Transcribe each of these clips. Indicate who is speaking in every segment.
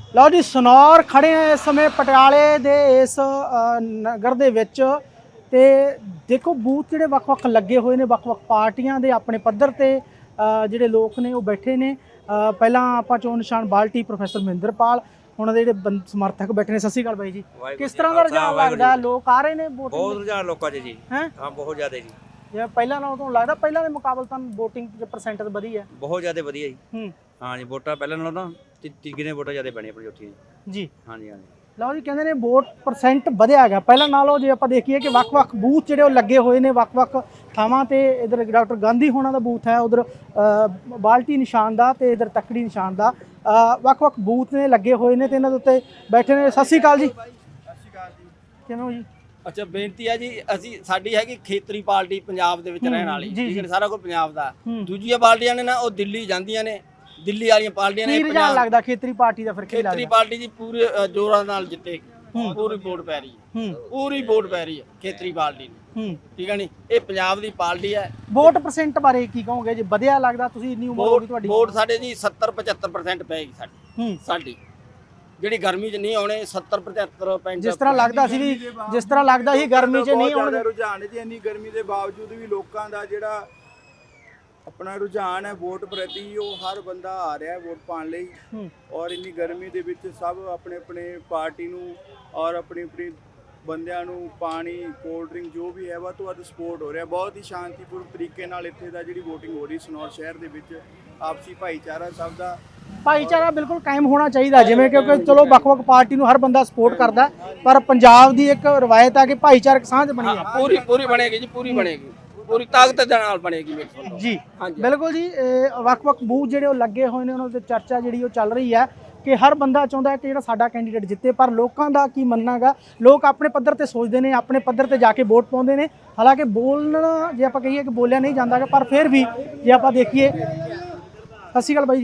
Speaker 1: ਲਓ ਜੀ ਸਨੌਰ ਖੜੇ ਆ ਇਸ ਸਮੇਂ ਪਟਿਆਲੇ ਦੇ ਇਸ ਨਗਰ ਦੇ ਵਿੱਚ ਤੇ ਦੇਖੋ ਬੂਥ ਜਿਹੜੇ ਵੱਖ-ਵੱਖ ਲੱਗੇ ਹੋਏ ਨੇ ਵੱਖ-ਵੱਖ ਪਾਰਟੀਆਂ ਦੇ ਆਪਣੇ ਪੱਧਰ ਤੇ ਜਿਹੜੇ ਲੋਕ ਨੇ ਉਹ ਬੈਠੇ ਨੇ। ਪਹਿਲਾਂ ਆਪਾਂ ਚੋਣ ਨਿਸ਼ਾਨ ਬਾਲਟੀ ਪ੍ਰੋਫੈਸਰ ਮਹਿੰਦਰਪਾਲ ਉਹਨਾਂ ਦੇ ਜਿਹੜੇ ਸਮਰਥਕ ਬੈਠੇ ਨੇ। ਸਤਿ ਸ਼੍ਰੀ ਅਕਾਲ ਬਾਈ ਜੀ, ਕਿਸ ਤਰ੍ਹਾਂ ਦਾ ਰੁਝਾਨ ਲੱਗਦਾ? ਲੋਕ ਆ ਰਹੇ ਨੇ ਵੋਟਿੰਗ?
Speaker 2: ਬਹੁਤ ਰੁਝਾਨ ਲੋਕਾਂ 'ਚ ਜੀ। ਹਾਂ ਬਹੁਤ ਜ਼ਿਆਦਾ ਜੀ।
Speaker 1: ਜਿਵੇਂ ਪਹਿਲਾਂ ਨਾਲੋਂ ਤੁਹਾਨੂੰ ਲੱਗਦਾ ਪਹਿਲਾਂ ਦੇ ਮੁਕਾਬਲੇ ਤਾਂ ਵੋਟਿੰਗ ਦੇ ਪਰਸੈਂਟੇਜ ਵਧੀ ਹੈ?
Speaker 2: ਬਹੁਤ ਜ਼ਿਆਦਾ ਵਧੀਆ ਜੀ। ਹਾਂ ਜੀ, ਵੋਟਾਂ ਪਹਿਲਾਂ ਨਾਲੋਂ ਤਾਂ ਤਿੱਗਣੇ ਵੋਟਾਂ ਜ਼ਿਆਦਾ ਪੈਣੀਆਂ ਆਪਣੀ ਉੱਥੇ
Speaker 1: ਜੀ।
Speaker 2: ਹਾਂਜੀ ਹਾਂਜੀ।
Speaker 1: ਲਓ ਜੀ ਕਹਿੰਦੇ ਨੇ ਵੋਟ ਪਰਸੈਂਟ ਵਧਿਆ ਹੈਗਾ ਪਹਿਲਾਂ ਨਾਲੋਂ। ਜੇ ਆਪਾਂ ਦੇਖੀਏ ਕਿ ਵੱਖ-ਵੱਖ ਬੂਥ ਜਿਹੜੇ ਉਹ ਲੱਗੇ ਹੋਏ ਨੇ ਵੱਖ-ਵੱਖ ਥਾਵਾਂ ਤੇ। ਇਧਰ ਡਾਕਟਰ ਗਾਂਧੀ ਹੋਣਾ ਦਾ ਬੂਥ ਹੈ, ਉਧਰ ਬਾਲਟੀ ਨਿਸ਼ਾਨ ਦਾ ਤੇ ਇਧਰ ਤੱਕੜੀ ਨਿਸ਼ਾਨ ਦਾ ਵੱਖ-ਵੱਖ ਬੂਥ ਨੇ ਲੱਗੇ ਹੋਏ ਨੇ ਤੇ ਇਹਨਾਂ ਦੇ ਉੱਤੇ ਬੈਠੇ ਨੇ। ਸਤਿ ਸ਼੍ਰੀ ਅਕਾਲ ਜੀ।
Speaker 3: ਸਤਿ ਸ਼੍ਰੀ ਅਕਾਲ ਜੀ।
Speaker 1: ਕਿਵੇਂ ਹੋ ਜੀ?
Speaker 3: ਅੱਛਾ, ਬੇਨਤੀ ਹੈ ਜੀ, ਅਸੀਂ ਸਾਡੀ ਹੈਗੀ ਖੇਤਰੀ ਪਾਰਟੀ ਪੰਜਾਬ ਦੇ ਵਿੱਚ ਰਹਿਣ ਵਾਲੀ, ਠੀਕ ਹੈ, ਸਾਰਾ ਕੁਝ ਪੰਜਾਬ ਦਾ। ਦੂਜੀਆਂ ਪਾਰਟੀਆਂ ਨੇ ਨਾ ਉਹ ਦਿੱਲੀ ਜਾਂਦੀਆਂ ਨੇ, ਦਿੱਲੀ ਵਾਲੀਆਂ ਪਾਰਟੀਆਂ ਨੇ।
Speaker 1: ਕੀ ਰੁਝਾਨ ਲੱਗਦਾ ਖੇਤਰੀ ਪਾਰਟੀ ਦਾ? ਫਿਰ ਕੀ ਲੱਗਦਾ?
Speaker 3: ਖੇਤਰੀ ਪਾਰਟੀ ਜੀ ਪੂਰੇ ਜ਼ੋਰਾਂ ਨਾਲ ਜਿੱਤੇ, ਪੂਰੀ ਵੋਟ ਪੈ ਰਹੀ ਹੈ, ਪੂਰੀ ਵੋਟ ਪੈ ਰਹੀ ਹੈ ਖੇਤਰੀ ਪਾਰਟੀ ਨੂੰ, ਠੀਕ ਹੈ ਨੀ। ਇਹ ਪੰਜਾਬ ਦੀ ਪਾਰਟੀ ਹੈ।
Speaker 1: ਵੋਟ ਪਰਸੈਂਟ ਬਾਰੇ ਕੀ ਕਹੋਗੇ? ਜੇ ਵਧਿਆ ਲੱਗਦਾ, ਤੁਸੀਂ ਇੰਨੀ ਉਮਰ ਹੋ ਗਈ ਤੁਹਾਡੀ।
Speaker 3: ਵੋਟ ਸਾਡੇ ਜੀ 70-75% ਪੈਗੀ ਸਾਡੀ ਜਿਹੜੀ ਗਰਮੀ 'ਚ ਨਹੀਂ ਆਉਣੇ। 70-75%
Speaker 1: ਜਿਸ ਤਰ੍ਹਾਂ ਲੱਗਦਾ ਸੀ ਵੀ ਜਿਸ ਤਰ੍ਹਾਂ ਲੱਗਦਾ ਸੀ ਗਰਮੀ 'ਚ ਨਹੀਂ ਆਉਣਗੇ।
Speaker 4: ਰੁਝਾਨ ਜੀ ਇੰਨੀ ਗਰਮੀ ਦੇ ਬਾਵਜੂਦ ਵੀ ਲੋਕਾਂ ਦਾ ਜਿਹੜਾ ਆਪਣਾ ਰੁਝਾਨ ਹੈ ਵੋਟ ਪ੍ਰਤੀ, ਉਹ ਹਰ ਬੰਦਾ ਆ ਰਿਹਾ ਹੈ ਵੋਟ ਪਾਉਣ ਲਈ। ਔਰ ਇੰਨੀ ਗਰਮੀ ਦੇ ਵਿੱਚ ਸਭ ਆਪਣੇ ਆਪਣੇ ਪਾਰਟੀ ਨੂੰ ਔਰ ਆਪਣੀ ਆਪਣੀ ਬੰਦਿਆਂ ਨੂੰ ਪਾਣੀ ਕੋਲਡ ਡਰਿੰਕ ਜੋ ਵੀ ਹੈ ਵੱਧ ਤੋਂ ਵੱਧ ਸਪੋਰਟ ਹੋ ਰਿਹਾ। ਬਹੁਤ ਹੀ ਸ਼ਾਂਤੀਪੂਰਨ ਤਰੀਕੇ ਨਾਲ ਇੱਥੇ ਦਾ ਜਿਹੜੀ VOTING ਹੋ ਰਹੀ ਸਨੌਰ ਸ਼ਹਿਰ ਦੇ ਵਿੱਚ। ਆਪਸੀ ਭਾਈਚਾਰਾ ਸਭ ਦਾ
Speaker 1: ਭਾਈਚਾਰਾ ਬਿਲਕੁਲ ਕਾਇਮ ਹੋਣਾ ਚਾਹੀਦਾ। ਜਿਵੇਂ ਕਿਉਂਕਿ ਚਲੋ ਵੱਖ-ਵੱਖ ਪਾਰਟੀ ਨੂੰ ਹਰ ਬੰਦਾ ਸਪੋਰਟ ਕਰਦਾ, ਪਰ ਪੰਜਾਬ ਦੀ ਇੱਕ ਰਵਾਇਤ ਆ ਕਿ ਭਾਈਚਾਰਕ ਸਾਂਝ ਬਣੀ ਹੈ।
Speaker 3: ਪੂਰੀ ਬਣੇਗੀ ਜੀ, ਪੂਰੀ ਬਣੇਗੀ, ਪੂਰੀ ਤਾਕਤ ਦੇ ਨਾਲ ਬਣੇਗੀ
Speaker 1: ਜੀ। ਬਿਲਕੁਲ ਜੀ। ਵੱਖ-ਵੱਖ ਬੂਥ ਜਿਹੜੇ ਉਹ ਲੱਗੇ ਹੋਏ ਨੇ, ਉਹਨਾਂ ਤੇ ਚਰਚਾ ਜਿਹੜੀ ਉਹ ਚੱਲ ਰਹੀ ਹੈ ਕਿ ਹਰ ਬੰਦਾ ਚਾਹੁੰਦਾ ਹੈ ਕਿ ਜਿਹੜਾ ਸਾਡਾ ਕੈਂਡੀਡੇਟ ਜਿੱਤੇ। ਪਰ ਲੋਕਾਂ ਦਾ ਕੀ ਮੰਨਣਾ ਹੈਗਾ? ਲੋਕ ਆਪਣੇ ਪੱਧਰ ਤੇ ਸੋਚਦੇ ਨੇ, ਆਪਣੇ ਪੱਧਰ ਤੇ ਜਾ ਕੇ ਵੋਟ ਪਾਉਂਦੇ ਨੇ। ਹਾਲਾਂਕਿ ਬੋਲਣਾ ਜੇ ਆਪਾਂ ਕਹੀਏ ਕਿ ਬੋਲਿਆ ਨਹੀਂ ਜਾਂਦਾ, ਪਰ ਫਿਰ ਵੀ ਜੇ ਆਪਾਂ ਦੇਖੀਏ। ਸਤਿ ਸ਼੍ਰੀ ਅਕਾਲ ਬਾਈ ਜੀ।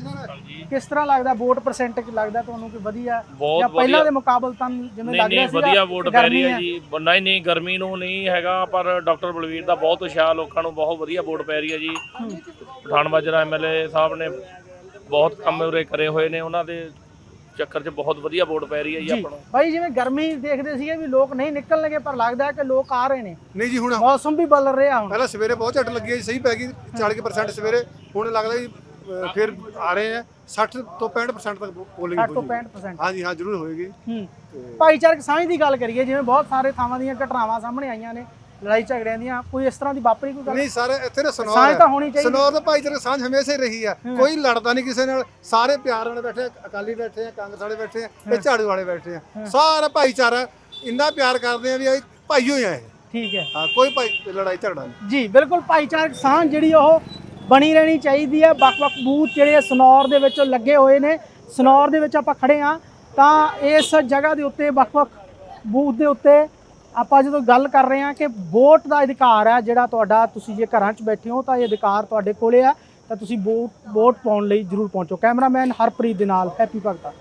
Speaker 1: ਕਿਸ ਤਰ੍ਹਾਂ ਲੱਗਦਾ ਵੋਟ ਪਰਸੈਂਟ ਲੱਗਦਾ ਤੁਹਾਨੂੰ ਕਿ ਵਧੀਆ ਜਾਂ ਪਹਿਲਾਂ ਦੇ ਮੁਕਾਬਲੇ ਤਾਂ ਜਿਵੇਂ ਲੱਗ ਰਿਹਾ ਸੀ?
Speaker 5: ਵਧੀਆ ਵੋਟ ਪੈ ਰਹੀ ਹੈ ਜੀ। ਨਹੀਂ ਗਰਮੀ ਨੂੰ ਨਹੀਂ ਹੈਗਾ, ਪਰ ਡਾਕਟਰ ਬਲਵੀਰ ਦਾ ਬਹੁਤ ਉਤਸ਼ਾਹ, ਲੋਕਾਂ ਨੂੰ ਬਹੁਤ ਵਧੀਆ ਵੋਟ ਪੈ ਰਹੀ ਹੈ ਜੀ। ਪਠਾਨ ਮਾਜਰਾ MLA ਸਾਹਿਬ ਨੇ ਬਹੁਤ ਕੰਮ ਉਰੇ ਕਰੇ ਹੋਏ ਨੇ, ਉਹਨਾਂ ਦੇ ਚੱਕਰ 'ਚ ਬਹੁਤ ਵਧੀਆ ਵੋਟ ਪੈ ਰਹੀ ਹੈ ਜੀ ਆਪਾਂ ਨੂੰ।
Speaker 1: ਭਾਈ ਜਿਵੇਂ ਗਰਮੀ ਦੇਖਦੇ ਸੀਗੇ ਵੀ ਲੋਕ ਨਹੀਂ ਨਿਕਲਣਗੇ, ਪਰ ਲੱਗਦਾ ਹੈ ਕਿ ਲੋਕ ਆ ਰਹੇ ਨੇ।
Speaker 6: ਨਹੀਂ ਜੀ, ਹੁਣ
Speaker 1: ਮੌਸਮ ਵੀ ਬਦਲ ਰਿਹਾ। ਹੁਣ
Speaker 6: ਪਹਿਲਾਂ ਸਵੇਰੇ ਬਹੁਤ ਝੱਟ ਲੱਗੀ, ਸਹੀ ਪੈ ਗਈ 40% ਸਵੇਰੇ। ਹੁਣ ਲੱਗਦਾ ਜੀ ਫਿਰ ਆ ਰਹੇ ਆ 60 ਤੋਂ 65% ਤੱਕ ਪੋਲਿੰਗ
Speaker 1: 60 ਤੋਂ 65%।
Speaker 6: ਹਾਂਜੀ ਹਾਂ, ਜ਼ਰੂਰ ਹੋਏਗੀ।
Speaker 1: ਭਾਈਚਾਰਕ ਸਾਂਝ ਦੀ ਗੱਲ ਕਰੀਏ, ਜਿਵੇਂ ਬਹੁਤ ਸਾਰੇ ਥਾਵਾਂ ਦੀਆਂ ਘਟਨਾਵਾਂ ਸਾਹਮਣੇ ਆਈਆਂ ਨੇ, ਲੜਾਈ ਝਗੜਿਆਂ ਦੀਆਂ, ਕੋਈ ਇਸ ਤਰ੍ਹਾਂ ਦੀ ਵਾਪਰੀ ਕੋਈ ਗੱਲ?
Speaker 6: ਨਹੀਂ ਸਾਰੇ ਇੱਥੇ ਨਾ
Speaker 1: ਸਾਂਝ
Speaker 6: ਸਨੌਰ
Speaker 1: ਤਾਂ ਹੋਣੀ ਚਾਹੀਦੀ।
Speaker 6: ਸਨੌਰ ਦਾ ਭਾਈਚਾਰਕ ਸਾਂਝ ਹਮੇਸ਼ਾ ਹੀ ਰਹੀ ਆ, ਕੋਈ ਲੜਦਾ ਨਹੀਂ ਕਿਸੇ ਨਾਲ। ਸਾਰੇ ਪਿਆਰ ਨਾਲ ਬੈਠੇ, ਅਕਾਲੀ ਬੈਠੇ ਆ, ਕਾਂਗਰਸ ਵਾਲੇ ਬੈਠੇ ਆ, ਤੇ ਝਾੜੂ ਵਾਲੇ ਬੈਠੇ ਆ। ਸਾਰਾ ਭਾਈਚਾਰਾ ਇੰਨਾ ਪਿਆਰ ਕਰਦੇ ਆ ਵੀ ਇਹ ਭਾਈਓ ਹੀ ਆ ਇਹ।
Speaker 1: ਠੀਕ ਹੈ।
Speaker 6: ਹਾਂ, ਕੋਈ ਲੜਾਈ ਝਗੜਾ ਨਹੀਂ
Speaker 1: ਜੀ। ਬਿਲਕੁਲ ਭਾਈਚਾਰਕ ਸਾਂਝ ਜਿਹੜੀ ਉਹ ਬਣੀ ਰਹਿਣੀ ਚਾਹੀਦੀ ਹੈ। ਵੱਖ-ਵੱਖ ਬੂਥ ਜਿਹੜੇ ਸਨੌਰ ਦੇ ਵਿੱਚ ਲੱਗੇ ਹੋਏ ਨੇ। ਸਨੌਰ ਦੇ ਵਿੱਚ ਆਪਾਂ ਖੜੇ ਹਾਂ ਤਾਂ ਇਸ ਜਗ੍ਹਾ ਦੇ ਉੱਤੇ ਵੱਖ-ਵੱਖ ਬੂਥ ਦੇ ਉੱਤੇ ਆਪਾਂ ਜਦੋਂ ਗੱਲ ਕਰ ਰਹੇ ਹਾਂ ਕਿ ਵੋਟ ਦਾ ਅਧਿਕਾਰ ਹੈ ਜਿਹੜਾ ਤੁਹਾਡਾ, ਤੁਸੀਂ ਜੇ ਘਰਾਂ 'ਚ ਬੈਠੇ ਹੋ ਤਾਂ ਇਹ ਅਧਿਕਾਰ ਤੁਹਾਡੇ ਕੋਲੇ ਆ, ਤਾਂ ਤੁਸੀਂ ਵੋਟ ਪਾਉਣ ਲਈ ਜ਼ਰੂਰ ਪਹੁੰਚੋ। ਕੈਮਰਾਮੈਨ ਹਰਪ੍ਰੀਤ ਦੇ ਨਾਲ ਹੈਪੀ ਭਗਤਾ।